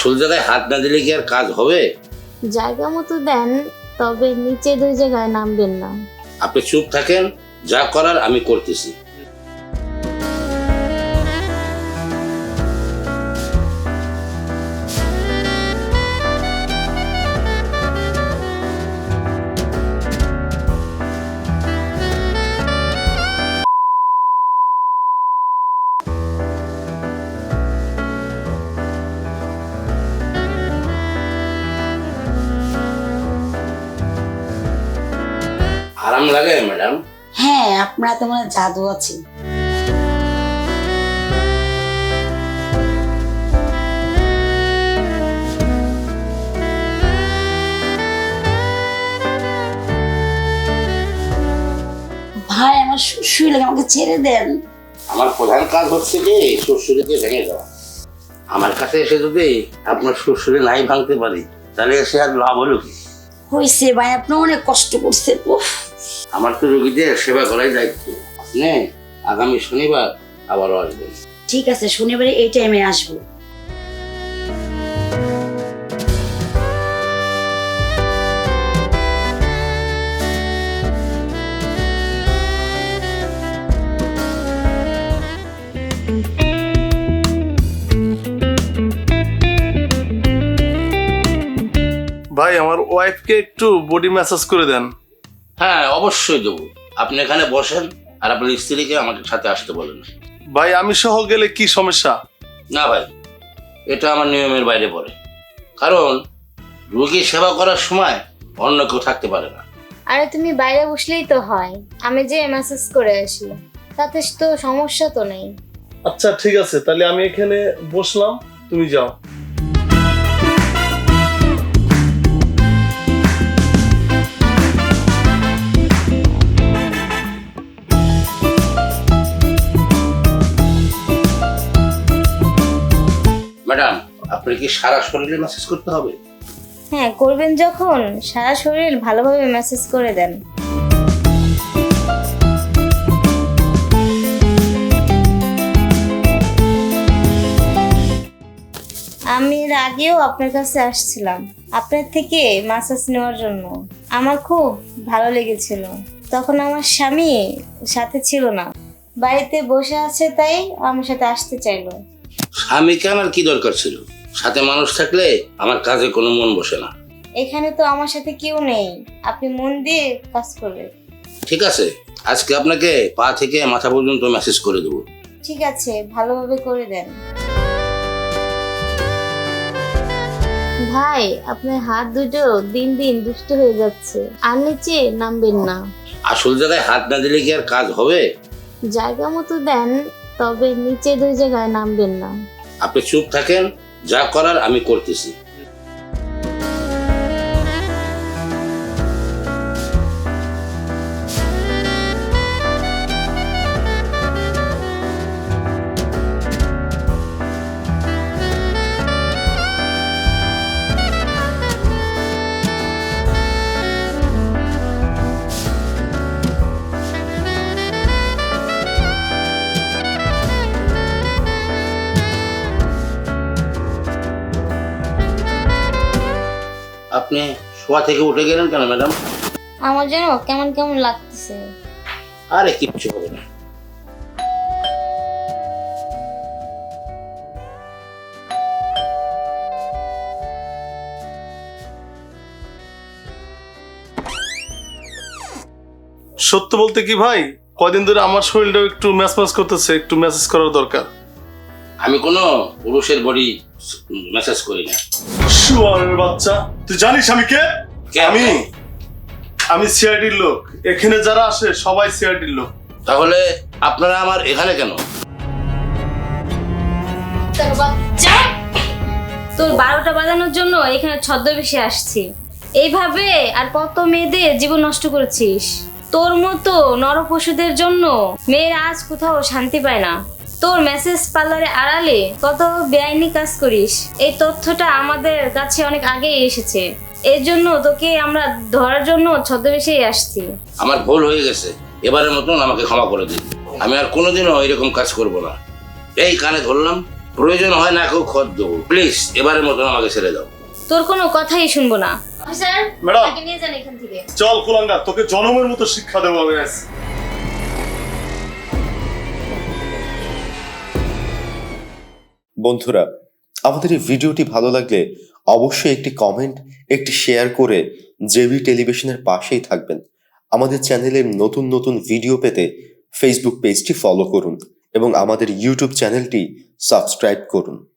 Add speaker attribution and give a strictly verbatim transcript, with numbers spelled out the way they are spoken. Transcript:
Speaker 1: আসল জায়গায় হাত না দিলে কি আর কাজ হবে?
Speaker 2: জায়গা মতো দেন, তবে নিচে দুই জায়গায় নামবেন না।
Speaker 1: আপনি চুপ থাকেন, যা করার আমি করতেছি। আরাম লাগে ম্যাডাম?
Speaker 3: হ্যাঁ, আপনার তো মনে হয় জাদু আছে। ভাই আমার শুয়ে লাগে, আমাকে ছেড়ে দেন।
Speaker 1: আমার প্রধান কাজ হচ্ছে যে শ্বশুরকে ভেঙে দেওয়া। আমার কাছে এসে যদি আপনার শ্বশুরে নাই ভাঙতে পারি, তাহলে এসে আর লাভ হলো কি?
Speaker 3: হয়েছে ভাই, আপনি অনেক কষ্ট করছেন। উফ,
Speaker 1: আমার তো রোগীদের সেবা করাই দায়িত্ব। আপনি আগামী শনিবার আবারও আসবেন।
Speaker 3: ঠিক আছে, শনিবারে এই টাইমে আসবো।
Speaker 4: ভাই আমার ওয়াইফকে একটু বডি ম্যাসাজ করে দেন।
Speaker 1: হ্যাঁ, অবশ্যই দেবো। আপনি এখানে বসেন আর আপনার স্ত্রীকে আমাদের সাথে আসতে বলেন।
Speaker 4: ভাই আমি সহ গেলে কি সমস্যা?
Speaker 1: না ভাই, এটা আমার নিয়মের বাইরে পড়ে। কারণ রোগী সেবা করার সময় অন্য কেউ থাকতে পারে না।
Speaker 2: আরে তুমি বাইরে বসলেই তো হয়, আমি যে মেসেজ করে আসি, তাতে তো সমস্যা তো নেই।
Speaker 4: আচ্ছা ঠিক আছে, তাহলে আমি এখানে বসলাম, তুমি যাও।
Speaker 1: ম্যাডাম, আপনার কি সারা শরীরে ম্যাসেজ করতে হবে?
Speaker 2: হ্যাঁ, করবেন যখন সারা শরীর ভালোভাবে মেসেজ করে দেন। আমি এর আগেও আপনার কাছে আসছিলাম আপনার থেকে ম্যাসাজ নেওয়ার জন্য। আমার খুব ভালো লেগেছিল। তখন আমার স্বামী সাথে ছিল না, বাড়িতে বসে আছে, তাই আমার সাথে আসতে চাইলো।
Speaker 1: স্বামীকে আমার কি দরকার ছিল? সাথে মানুষ থাকলে আমার কাজে কোনো মন বসে না।
Speaker 2: এখানে তো আমার সাথে কেউ নেই, আপনি মন দিয়ে কাজ করবেন।
Speaker 1: ঠিক আছে, আজকে আপনাকে পা থেকে মাথা পর্যন্ত মেসেজ করে দেবো।
Speaker 2: ঠিক আছে, ভালোভাবে করে দেন। ভাই, আপনার হাত দুটো দিন দিন দুষ্ট হয়ে যাচ্ছে, আর নিচে নামবেন না।
Speaker 1: আসল জায়গায় হাত না দিলে কি আর কাজ হবে?
Speaker 2: জায়গা মতো দেন, তবে নিচে দুই জায়গায় নামবেন না।
Speaker 1: আপনি চুপ থাকেন, যা করার আমি করতেছি। আপনি শোয়া থেকে উঠে গেলেন কেন ম্যাডাম?
Speaker 2: আমার যেন কেমন কেমন লাগতেছে।
Speaker 1: আরে কিচ্ছু হবে না।
Speaker 4: সত্য বলতে কি ভাই, কয়দিন ধরে আমার শরীরটাও একটু ম্যাচ ম্যাচ করতেছে, একটু মেসেজ করার দরকার।
Speaker 1: আমি কোনো পুরুষের বডি মেসেজ করি না।
Speaker 4: শুয়ারের বাচ্চা, তুই জানিস আমি কে?
Speaker 1: কে?
Speaker 4: আমি আমি সিআইডির লোক। এখানে যারা আসে সবাই সিআইডির লোক।
Speaker 1: তাহলে আপনারা আমার এখানে কেন?
Speaker 2: তোর বাচ্চা, তোর বারোটা বাজানোর জন্য এখানে ছদ্মবেশে আসছি। এইভাবে আর কত মেয়েদের জীবন নষ্ট করেছিস। তোর মতো নরপশুদের জন্য মেয়েরা আজ কোথাও শান্তি পায় না। তোর মেসেজ পার্লারে আড়ালে কত বেআইনি কাজ করিস, এই তথ্যটা আমাদের কাছে অনেক আগেই এসেছে। এর জন্য তোকে আমরা ধরার জন্য ছদ্মবেশেই আসছি।
Speaker 1: আমার ভুল হয়ে গেছে, এবারের মতন আমাকে ক্ষমা করে দিন। আমি আর কোনোদিনও এরকম কাজ করব না। এই কানে ধরলাম, প্রয়োজন হয় না কেউ খত দেবো। প্লিজ এবারের মতন আমাকে ছেড়ে দাও।
Speaker 2: তোর কোনো কথাই শুনবো না। Officer,
Speaker 4: madam.
Speaker 2: তাকে নিয়ে যান এখান থেকে।
Speaker 4: চল কুলাঙ্গা, তোকে জনমের মতো শিক্ষা দেবো আমি আজ।
Speaker 5: বন্ধুরা, আমাদের এই ভিডিওটি ভালো লাগলে অবশ্যই একটি কমেন্ট, একটি শেয়ার করে জেবি টেলিভিশনের পাশেই থাকবেন। আমাদের চ্যানেলের নতুন নতুন ভিডিও পেতে ফেসবুক পেজটি ফলো করুন এবং আমাদের ইউটিউব চ্যানেলটি সাবস্ক্রাইব করুন।